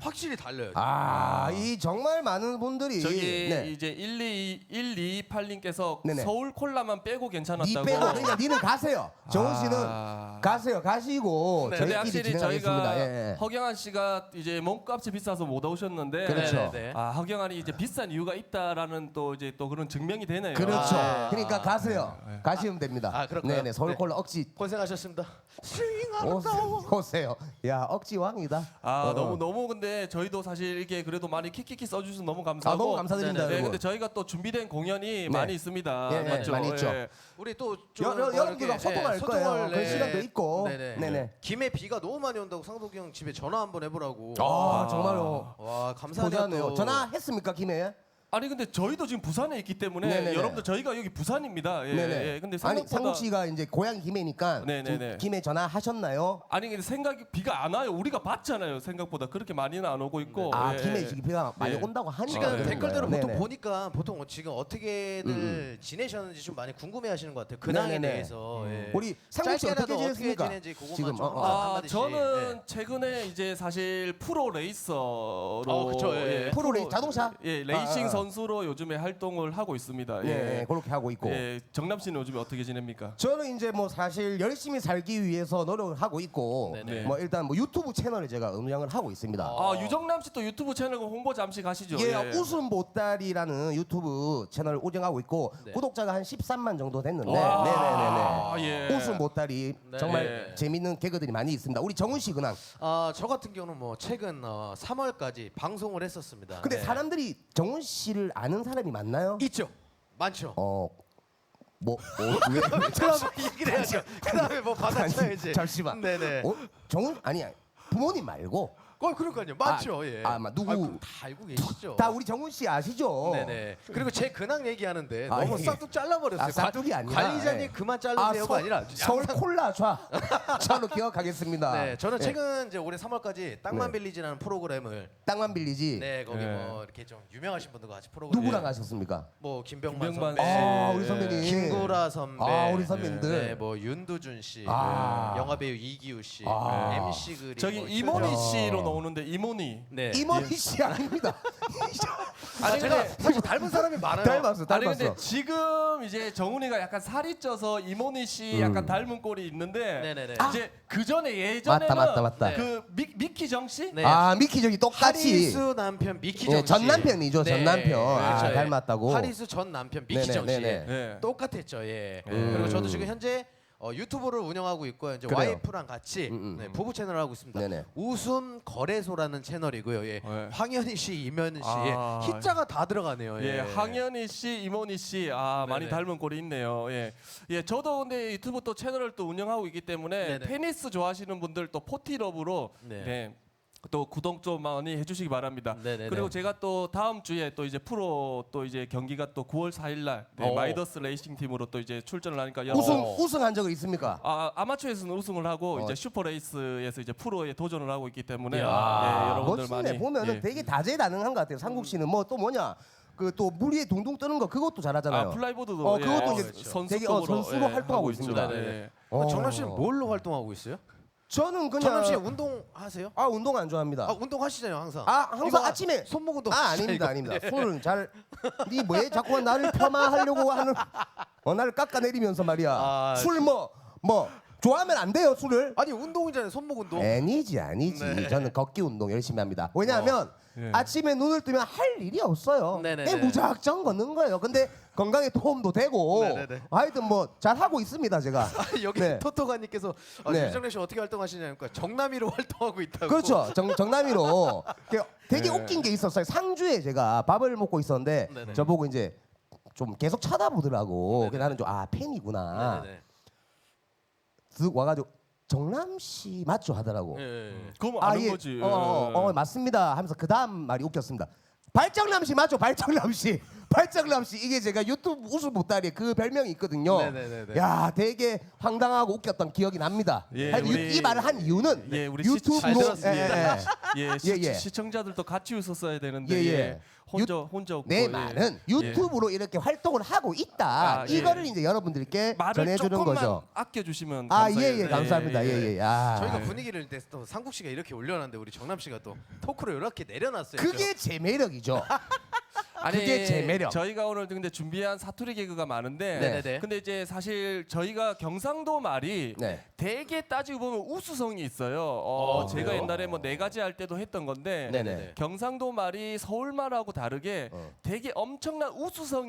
확실히 달라요. 이 정말 많은 분들이 저기 네. 이제 128님께서 네네. 서울 콜라만 빼고 니 괜찮았다고. 빼고 그러니까 니는 가세요. 정훈 씨는 가세요. 가시고 근데 저희끼리 확실히 진행하겠습니다. 저희가 예. 허경환 씨가 이제 몸값이 비싸서 못 오셨는데 그렇죠. 허경환이 이제 비싼 이유가 있다라는 또 이제 또 그런 증명이 되네요. 그렇죠. 그러니까 가세요. 가시면 됩니다. 그럴까요? 네네. 서울 콜라 억지 고생하셨습니다. 오세요. 야 억지 왕이다. 너무 근데 저희도 사실 이렇게 그래도 많이 키키키 써주셔서 너무 감사하고. 너무 감사드립니다, 네, 여러분. 근데 저희가 또 준비된 공연이 많이 있습니다. 예, 맞죠? 많이 있죠. 예. 우리 또 여러분들과 소통할 거예요. 그 시간도 있고. 네네. 김에 비가 너무 많이 온다고 상석이 형 집에 전화 한번 해보라고. 정말로 와 감사하네요. 고자네요. 전화했습니까 김해? 아니 근데 저희도 지금 부산에 있기 때문에 네네네. 여러분들 저희가 여기 부산입니다. 예, 네네. 예. 근데 아니 생각보다 상국 씨가 이제 고향 김해니까 네네네. 김해 전화하셨나요? 아니 근데 생각이 비가 안 와요. 우리가 봤잖아요. 생각보다 그렇게 많이는 안 오고 있고. 예. 김해 지금 비가 많이 예. 온다고 하니까 지금 그런 댓글대로 거예요. 보통 네네. 보니까 보통 지금 어떻게들 지내셨는지 좀 많이 궁금해하시는 것 같아요. 근황에 네네네. 대해서. 예. 우리 상국 씨 어떻게 짧게라도 지냈습니까? 지내는지 그것만 지금 좀 한마디씩. 저는 예. 최근에 이제 사실 프로 레이서로 그쵸, 예. 프로 레이스 자동차? 예, 레이싱 선수로 요즘에 활동을 하고 있습니다. 예, 그렇게 하고 있고. 예, 정남 씨는 요즘에 어떻게 지냅니까? 저는 이제 뭐 사실 열심히 살기 위해서 노력을 하고 있고 네네. 뭐 일단 뭐 유튜브 채널을 제가 운영을 하고 있습니다. 유정남 씨 또 유튜브 채널 홍보 잠시 가시죠. 예, 웃음 보따리라는 유튜브 채널을 운영하고 있고 네. 구독자가 한 13만 정도 됐는데 아, 네네네네. 예. 웃음 보따리 네. 정말 예. 재밌는 개그들이 많이 있습니다. 우리 정훈 씨 근황. 저 같은 경우는 뭐 최근 3월까지 방송을 했었습니다. 근데 네. 사람들이 정훈 씨를 아는 사람이 많나요? 있죠. 많죠. 왜? 그다음에 얘기를 해야죠. 그다음에 뭐 받아쳐야지. 잠시만. 네네. 정훈 아니 부모님 말고. 그러니까요. 맞죠. 예. 누구 다 알고 계시죠. 다 우리 정훈 씨 아시죠? 네네. 그리고 제 근황 얘기하는데 아, 너무 예. 싹둑 잘라버렸어요. 싹둑이 아니라, 관리자님 예. 그만 자르세요가 아니라 서울 콜라 좌로 기억하겠습니다. 네, 저는 예. 최근 이제 올해 3월까지 땅만 빌리지라는 프로그램을 땅만 빌리지. 네 거기 예. 뭐 이렇게 좀 유명하신 분들과 같이 프로그램 누구랑 하셨습니까? 뭐 김병만 김병만 선배, 우리 선배님. 김구라 선배, 우리 선배님들. 네, 뭐 윤두준 씨, 아. 영화 배우 이기우 씨, 아. MC 그리 저기 뭐 이모니 최정- 씨로 나오는데 이모니. 네. 이모니 씨 아닙니다. 아니 제가 사실 닮은 사람이 많아요. 닮았어. 아니 근데 지금 이제 정훈이가 약간 살이 쪄서 이모니 씨 약간 닮은 꼴이 있는데 네네네. 이제 그 전에 예전에는 맞다. 그 미키 정 씨? 네. 미키 저기 똑같이. 하리수 남편 미키정 예, 씨. 전 남편이죠. 전 남편. 그렇죠. 예. 닮았다고. 하리수 전 남편 미키정 씨. 네네. 예. 똑같았죠. 예. 그리고 저도 지금 현재 유튜브를 운영하고 있고요. 이제 그래요. 와이프랑 같이 네, 부부 채널을 하고 있습니다. 네네. 웃음 거래소라는 채널이고요. 예. 네. 황현희 씨, 이면희 씨, 아. 희자가 다 들어가네요. 예, 황현희 씨, 이모니 씨, 많이 네네. 닮은 꼴이 있네요. 예, 저도 근데 유튜브 또 채널을 또 운영하고 있기 때문에 네네. 테니스 좋아하시는 분들 또 포티러브로 네. 또 구독 좀 많이 해주시기 바랍니다. 네네네. 그리고 제가 또 다음 주에 또 이제 프로 또 이제 경기가 또 9월 4일날 마이더스 레이싱 팀으로 또 이제 출전을 하니까 우승한 적은 있습니까? 아마추어에서는 우승을 하고 이제 슈퍼 레이스에서 이제 프로에 도전을 하고 있기 때문에 이야. 여러분들 멋지네. 많이 보면은 예. 되게 다재다능한 것 같아요. 상국 씨는 뭐 또 뭐냐? 그 또 물 위에 둥둥 뜨는 거 그것도 잘하잖아요. 플라이보드도 그것도 예, 이제 선수급으로 선수로 활동하고 있죠. 있습니다. 네. 정남 씨는 뭘로 활동하고 있어요? 저는 그냥 정남 씨 운동하세요? 운동 안 좋아합니다. 운동하시잖아요, 항상. 항상 이거 아침에 손목 운동. 아닙니다. 술은 잘 니 뭐에 자꾸만 나를 폄하하려고 하는 나를 깎아내리면서 말이야. 술 뭐 좋아하면 안 돼요, 술을. 아니 운동이잖아요, 손목 운동. 아니지. 네. 저는 걷기 운동 열심히 합니다. 왜냐하면 예. 아침에 눈을 뜨면 할 일이 없어요. 네네네. 그냥 무작정 걷는 거예요. 근데 건강에 도움도 되고 네네네. 하여튼 뭐 잘 하고 있습니다, 제가. 여기 네. 토토가님께서 네. 유정래 씨 어떻게 활동하시냐니까 정남이로 활동하고 있다고. 그렇죠. 정남이로 되게 네. 웃긴 게 있었어요. 상주에 제가 밥을 먹고 있었는데 네네. 저보고 이제 좀 계속 쳐다보더라고. 그래서 나는 좀 팬이구나. 네네네. 쓱 와가지고 정남 씨 맞죠 하더라고. 예. 그럼 아는 예. 거지. 맞습니다 하면서 그 다음 말이 웃겼습니다. 발정남 씨 맞죠? 발정남 씨. 팔자글람 씨 이게 제가 유튜브 웃음 보따리에 그 별명이 있거든요. 네네네네. 야 되게 황당하고 웃겼던 기억이 납니다. 예, 하여튼 우리- 이 말을 한 이유는 예, 우리 유튜브로 잘 들었습니다. 예, 시청자들도 같이 웃었어야 되는데 예, 예. 예, 혼자 웃고, 내 예. 말은 예. 유튜브로 이렇게 활동을 하고 있다. 아, 예. 이거를 이제 여러분들께 말을 전해주는 조금만 거죠. 아껴주시면 아 감사해요. 예예 감사합니다. 예예. 아. 저희가 분위기를 이제 또 상국 씨가 이렇게 올려놨는데 우리 정남 씨가 또 토크를 이렇게 내려놨어요. 그게 제 매력이죠. 그게 제 매력. 저희가 오늘 근데 준비한 사투리 개그가 많은데 네네네. 근데 이제 사실 저희가 경상도 말이 네. 되게 따지고 보면 우수성이 있어요. 제가 그래요? 옛날에 뭐 4가지 할 때도 했던 건데 네네. 경상도 말이 서울 말하고 다르게 되게 엄청난 우수성